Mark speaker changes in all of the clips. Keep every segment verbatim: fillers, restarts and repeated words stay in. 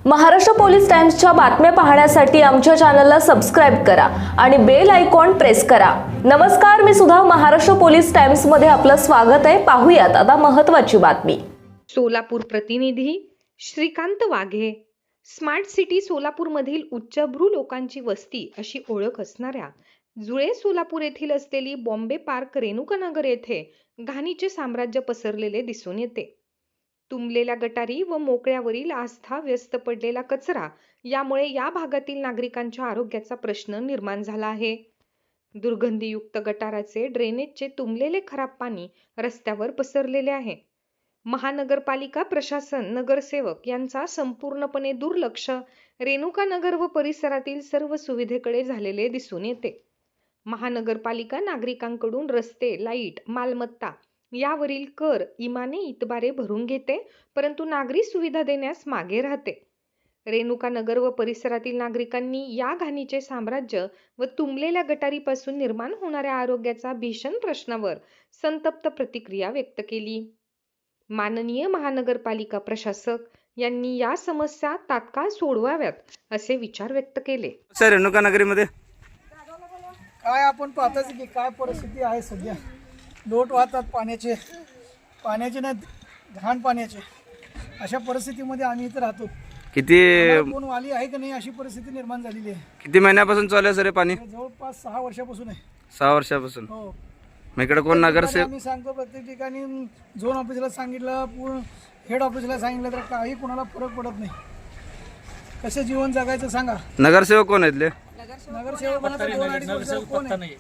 Speaker 1: Maharashtra police टाइम्सच्या बातम्या पाहण्यासाठी आमच्या चॅनलला सबस्क्राइब करा आणि बेल आयकॉन प्रेस करा। नमस्कार, मी सुधा, महाराष्ट्र पोलीस टाइम्स मध्ये आपलं स्वागत आहे। पाहूयात आता महत्त्वाची बातमी।
Speaker 2: सोलापूर प्रतिनिधी श्रीकांत वाघे। स्मार्ट सिटी सोलापूरमधील उच्चभ्रू लोकांची वस्ती अशी ओळख असणाऱ्या जुळे सोलापूर येथील असलेली बॉम्बे पार्क रेणुकानगर येथे घाणीचे साम्राज्य पसरलेले दिसून येते। तुंबलेल्या गटारी व मोकळ्यावरील आस्था व्यस्त पडलेला कचरा यामुळे या भागातील नागरिकांच्या आरोग्याचा प्रश्न निर्माण झाला आहे। दुर्गंधीयुक्त गटाराचे ड्रेनेजचे तुंबलेले खराब पाणी रस्त्यावर पसरलेले आहे। महानगरपालिका प्रशासन, नगरसेवक यांचा संपूर्णपणे दुर्लक्ष रेणुकानगर व परिसरातील सर्व सुविधेकडे झालेले दिसून येते। महानगरपालिका नागरिकांकडून रस्ते, लाईट, मालमत्ता यावरील कर इमाने इतबारे भरून घेते, परंतु नागरी सुविधा देण्यास मागे राहते। रेणुकानगर व परिसरातील नागरिकांनी या घाणीचे साम्राज्य व तुंबलेल्या गटारीपासून निर्माण होणाऱ्या आरोग्याचा भीषण प्रश्नावर संतप्त प्रतिक्रिया व्यक्त केली। माननीय महानगरपालिका प्रशासक यांनी या समस्या तात्काळ सोडवाव्यात असे विचार व्यक्त केले।
Speaker 3: सर, रेणुकानगरीमध्ये
Speaker 4: काय आपण पाहताच की काय परिस्थिती आहे सध्या। लोट वाहतात पाण्याचे पाण्याचे नाही घाण पाण्याचे, अशा परिस्थितीमध्ये आम्ही इथे राहतो।
Speaker 3: किती
Speaker 4: कोण वाली आहे का नाही अशी परिस्थिती निर्माण झालेली आहे।
Speaker 3: किती महिन्यापासून चालू आहे सर हे पाणी?
Speaker 4: जवळपास सहा वर्षापासून आहे।
Speaker 3: सहा वर्षापासून
Speaker 4: हो,
Speaker 3: मग इकडे कोण नगरसेवक?
Speaker 4: आम्ही सांगतो प्रत्येक ठिकाणी, झोन ऑफिसला सांगितलं, पूर्ण हेड ऑफिसला सांगितलं, तर काही कोणाला फरक पडत नाही। कसं जीवन जगायचं सांगा।
Speaker 3: नगरसेवक कोण आहेत?
Speaker 4: नगरसेवक कोण आहे?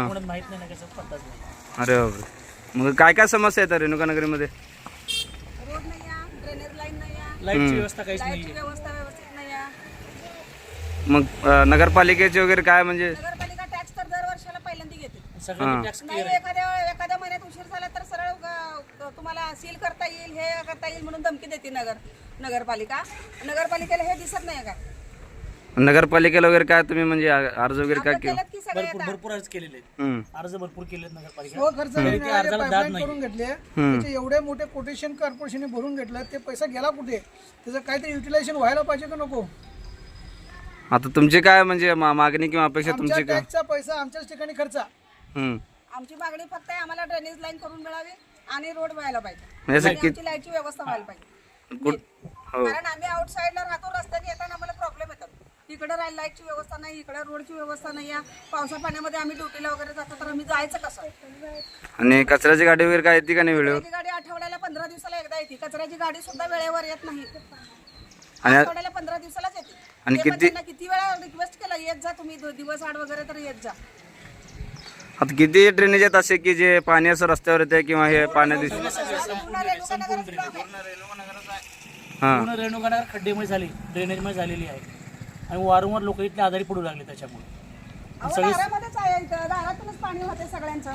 Speaker 3: अरे बापरे, मग काय काय समस्या आहेत रेणुकानगरीमध्ये?
Speaker 5: रोड नाही आहे, ड्रेनेज लाईन नाही आहे,
Speaker 6: लाईटची व्यवस्था काहीच नाही
Speaker 5: लाईटची व्यवस्था व्यवस्थित नाही आहे।
Speaker 3: मग अं, नगरपालिकेचे वगैरे काय म्हणजे?
Speaker 5: नगरपालिका टॅक्स तर दर वर्षाला पहिल्यांदा घेते।
Speaker 6: सगळ्यांनी टॅक्स
Speaker 5: नाही एखाद्या एखाद्या महिन्यात उशीर झाला तर सरळ ग- तुम्हाला सील करता येईल, हे करता येईल म्हणून धमकी देते नगर नगरपालिका। नगरपालिकेला हे दिसत नाही का?
Speaker 3: नगरपालिकेला वगैरे काय तुम्ही म्हणजे अर्ज वगैरे काय
Speaker 5: आपलं
Speaker 3: केलं?
Speaker 5: केलं की सगळे
Speaker 6: भरपूर
Speaker 5: येतात।
Speaker 6: भरपूर अर्ज केलेले आहेत.
Speaker 3: हम्म.
Speaker 6: अर्ज भरपूर केलेत नगरपालिका
Speaker 4: हो, खर्च
Speaker 6: तरी ते अर्जाला दाद
Speaker 4: पाईपलाईन
Speaker 6: नाही.
Speaker 4: करून घेतले, त्याचे एवढे मोठे कोटेशन कॉर्पोरेशनने भरून घेतलं, ते पैसा गेला कुठे? त्याचं काहीतरी युटिलायझेशन व्हायला पाहिजे का नको?
Speaker 3: आता तुमची काय म्हणजे मा- मागणी किंवा अपेक्षा
Speaker 4: आमच्या
Speaker 3: तुमची काय?
Speaker 4: टॅक्सचा पैसा आमच्याच ठिकाणी खर्चा।
Speaker 3: हम्म.
Speaker 5: आमची मागणी फक्त आहे, आम्हाला ड्रेनेज लाईन करून मिळावी आणि रोड व्हायला पाहिजे
Speaker 3: म्हणजे असं
Speaker 5: आणि
Speaker 3: की
Speaker 5: आमची लाईटची व्यवस्था व्हायला पाहिजे।
Speaker 3: कुठ- हो.
Speaker 5: कारण आम्ही आउटसाईडला राहतो, रस्त्याने येताना आम्हाला प्रॉब्लेम येतात। इकडे लाईटची व्यवस्था नाही, इकडे रोडची व्यवस्था नाही आहे। पावसा पाण्यामध्ये आम्ही ड्युटीला वगैरे जातो, तर आम्ही जायचं कसं?
Speaker 3: आणि कचऱ्याची गाडी वगैरे काय येते का नाही वेळेवर?
Speaker 5: कचऱ्याची गाडी आठवड्याला पंधरा दिवसाला एकदा येते, कचऱ्याची गाडी सुद्धा वेळेवर येत नाही।
Speaker 3: आणि
Speaker 5: आठवड्याला पंधरा दिवसालाच येते।
Speaker 3: आणि
Speaker 5: ते
Speaker 3: किती-
Speaker 5: पण त्यांना किती वेळा रिक्वेस्ट केला, येत जा तुम्ही, दो- दिवस आड वगैरे तर येत जा।
Speaker 3: आता किती ड्रेनेज आहेत असे की जे पाणी असं रस्त्यावर येते किंवा हे पाण्यात दिसतं?
Speaker 5: पूर्ण रेणुकानगरच block आहे।
Speaker 3: हां.
Speaker 6: पूर्ण रेणुकानगर खड्डेमुळे झाली, ड्रेनेजमुळे झालेली आहे आणि वारंवार लोक इथले आजारी पडू लागले त्याच्यामुळे।
Speaker 5: अहो, दारामध्येच आहे, इथं दारातूनच पाणी होते सगळ्यांचं।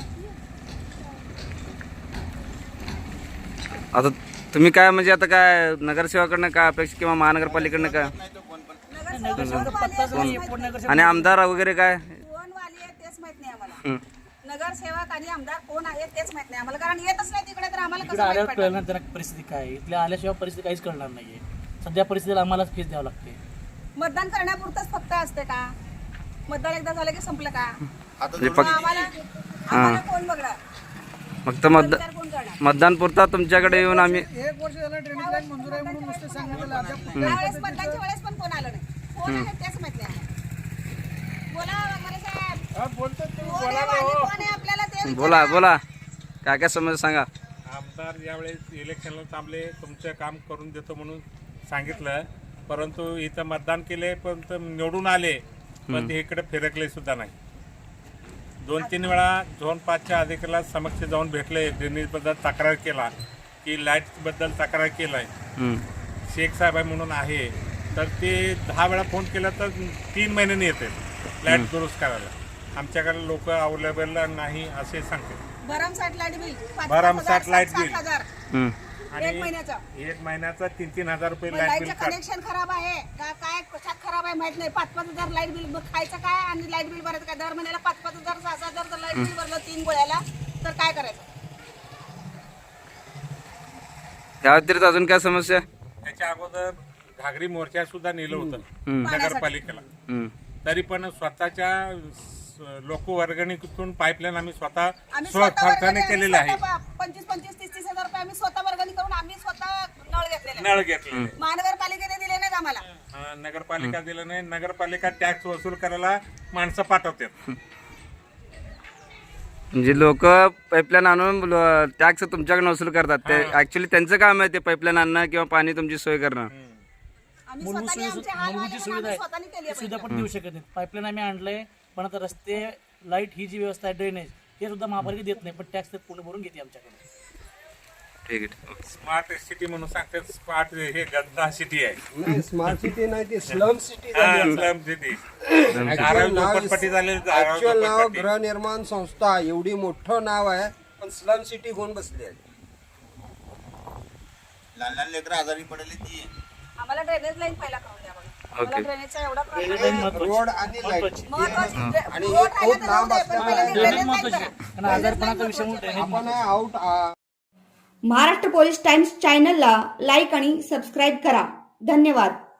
Speaker 3: आता तुम्ही काय म्हणजे आता काय नगरसेवकाकडनं काय अपेक्षा किंवा महानगरपालिकेकडनं काय
Speaker 5: नगरसेवक कोण वाली आहे तेच माहित
Speaker 6: कोण
Speaker 5: नाही.
Speaker 6: नगरसेवक
Speaker 3: आणि आमदार वगैरे काय?
Speaker 5: कोण वाली आहे तेच माहित नाही आम्हाला।
Speaker 3: हं.
Speaker 5: नगरसेवक आणि आमदार कोण आहे तेच माहित नाही आम्हाला, कारण येतच नाही तिकडे, तर आम्हाला
Speaker 6: इकडे
Speaker 5: कसं माहित
Speaker 6: आल्यावर
Speaker 5: पडणार?
Speaker 6: कळणार त्यांना परिस्थिती काय आहे। इथल्या आल्याशिवाय परिस्थिती काहीच कळणार नाहीये। सध्या परिस्थितीला आम्हालाच फीस द्यावं लागते।
Speaker 5: मतदान करण्यापुरतच फक्त असते का? मतदान एकदा झालं की संपलं का?
Speaker 3: म्हणजे
Speaker 5: मग
Speaker 3: फक्त
Speaker 5: आम्हाला आम्हाला कोण बघणार?
Speaker 3: फक्त मतदान
Speaker 5: विचार कोण करणार?
Speaker 3: मतदान पुरता तुमच्याकडे येऊन आम्ही
Speaker 4: एक वर्ष झालं ड्रेनेज लाईन मंजूर आहे म्हणून नुसतं सांगितलं, अद्याप कुठल्या
Speaker 5: त्यावेळेस मतदानच्या वेळेस पण कोण आलं नाही। कोण आहे तेच माहित नाही आम्हाला। बोला वगैरे साहेब, कोण आहे वाली, कोण आहे आपल्याला ते विचारा.
Speaker 3: बोला बोला काय काय समस्या सांगा.
Speaker 7: आमदार यावेळेस इलेक्शनला थांबले, तुमचं काम करून देतो म्हणून सांगितलं, परंतु इथं मतदान केले, पण ते निवडून आले, पण ते इकडे फिरकले सुद्धा नाही। दोन तीन वेळा झोन पाचच्या अधिकाऱ्याला समक्ष जाऊन भेटले, ड्रेनेजबद्दल तक्रार केला की लाईटबद्दल तक्रार केलं आहे,
Speaker 3: हं.
Speaker 7: शेख साहेब आहे म्हणून आहे, तर ते दहा वेळा फोन केला तर तीन महिन्यांनी येते लाईट दुरुस्त करायला। आमच्याकडे लोक अवेलेबल नाही असे सांगते।
Speaker 5: भरमसाठ लाईट बिल, पाच-
Speaker 7: भरमसाठ
Speaker 5: पाच हजार,
Speaker 7: लाईट
Speaker 5: सात-
Speaker 7: बिल.
Speaker 5: सात हजार
Speaker 3: हं.
Speaker 5: एक
Speaker 7: आणि
Speaker 5: महिन्याचा।
Speaker 7: एक महिन्याचा तीन तीन हजार रुपये
Speaker 5: मग
Speaker 7: लाईट बिल
Speaker 5: लाईटचं
Speaker 7: काढ.
Speaker 5: कनेक्शन खराब आहे का, काय कशात खराब आहे माहित नाही। पाच पाच हजार लाईट बिल, मग खायचं काय आणि लाईट बिल भरायचं काय? दर महिन्याला पाच पाच हजार सहा सहा हजार जर लाईट बिल भरलं तीन गोळ्याला, तर काय करायचं?
Speaker 3: या व्यतिरिक्त अजून काय समस्या?
Speaker 7: त्याच्या अगोदर घागरी मोर्चा सुद्धा नेलं होतं
Speaker 3: हम्म.
Speaker 7: नगरपालिकेला.
Speaker 3: हम्म.
Speaker 7: तरी पण स्वतःच्या लोक वर्गणीतून पाईपलाईन आम्ही स्वतः
Speaker 5: आम्ही
Speaker 7: स्व
Speaker 5: स्वतः
Speaker 7: खर्चाने
Speaker 5: वर्गणी- आम्ही
Speaker 7: केलेले आहे.
Speaker 5: स्वतः प- पंचवीस पंचवीस तीस तीस हजार रुपये आम्ही स्वतः वर्गणी करून आम्ही स्वतः नळ घेतलेले आहेत.
Speaker 7: नळ घेतले.
Speaker 5: महानगरपालिकेने दिले नाहीत आम्हाला.
Speaker 7: हा, नगरपालिका दिलं नाही. नगरपालिका टॅक्स वसूल करायला माणसं पाठवतात.
Speaker 3: म्हणजे लोक पाईपलाईन आणून टॅक्स तुमच्याकडे वसूल करतात. ते ऍक्च्युली त्यांचं काम आहे ते पाईपलाईन आणणं किंवा पाणी तुमची सोय करणं.
Speaker 5: आम्ही
Speaker 6: मूलभूत
Speaker 5: स्वतःने
Speaker 6: सुविधा
Speaker 5: आमचे हाल
Speaker 6: मूलभूत
Speaker 5: व्हायले
Speaker 6: जी
Speaker 5: म्हणून
Speaker 6: सुविधा
Speaker 5: आम्ही स्वतःने
Speaker 6: आहे
Speaker 5: केली
Speaker 6: ती
Speaker 5: आहे
Speaker 6: सुविधा पण देऊ शकत नाही. पाईपलाईन आम्ही आणलंय, पण आता रस्ते, लाईट ही जी व्यवस्था आहे, ड्रेनेज हे सुद्धा महापालिका देत नाही, पण टॅक्स तर पूर्ण भरून घेते आमच्याकडे.
Speaker 3: ठीक आहे.
Speaker 7: स्मार्ट सिटी म्हणून सांगतात. स्मार्ट हे गंदा सिटी आहे.
Speaker 8: नाही स्मार्ट सिटी नाही ती slum city
Speaker 7: slum city. Dharavi झोपडपट्टी झालेली. धारावी
Speaker 8: ऍक्च्युअल नाव
Speaker 7: झोपडपट्टी.
Speaker 8: गृहनिर्माण संस्था एवढी मोठं नाव आहे, पण स्लम सिटी होऊन बसली आहे.
Speaker 9: लहान लहान लेकरं आजारी पडले ती
Speaker 5: आम्हाला ड्रेनेज लाईन पहिला करून द्या बघा. आम्हाला
Speaker 3: ओके.
Speaker 5: ड्रेनेजचा एवढा
Speaker 6: ड्रेनेज
Speaker 5: प्रॉब्लेम
Speaker 6: लाईन
Speaker 5: आहे.
Speaker 8: रोड आणि लाईट
Speaker 5: महत्वाची
Speaker 8: आणि
Speaker 5: रोड
Speaker 8: हे
Speaker 5: राहिला
Speaker 8: खूप
Speaker 5: तर
Speaker 8: लांब
Speaker 5: जाऊ दे, पण पहिला
Speaker 8: असल्यामुळे
Speaker 5: ड्रेनेज
Speaker 6: ड्रेनेज
Speaker 5: लाईन
Speaker 6: महत्वाची
Speaker 5: करा.
Speaker 6: आहे. आणि आजारपणाचा विषय म्हणून ड्रेनेज
Speaker 8: आपण आउट
Speaker 10: महाराष्ट्र पोलीस टाइम्स चॅनलला लाईक आणि सबस्क्राईब करा. धन्यवाद.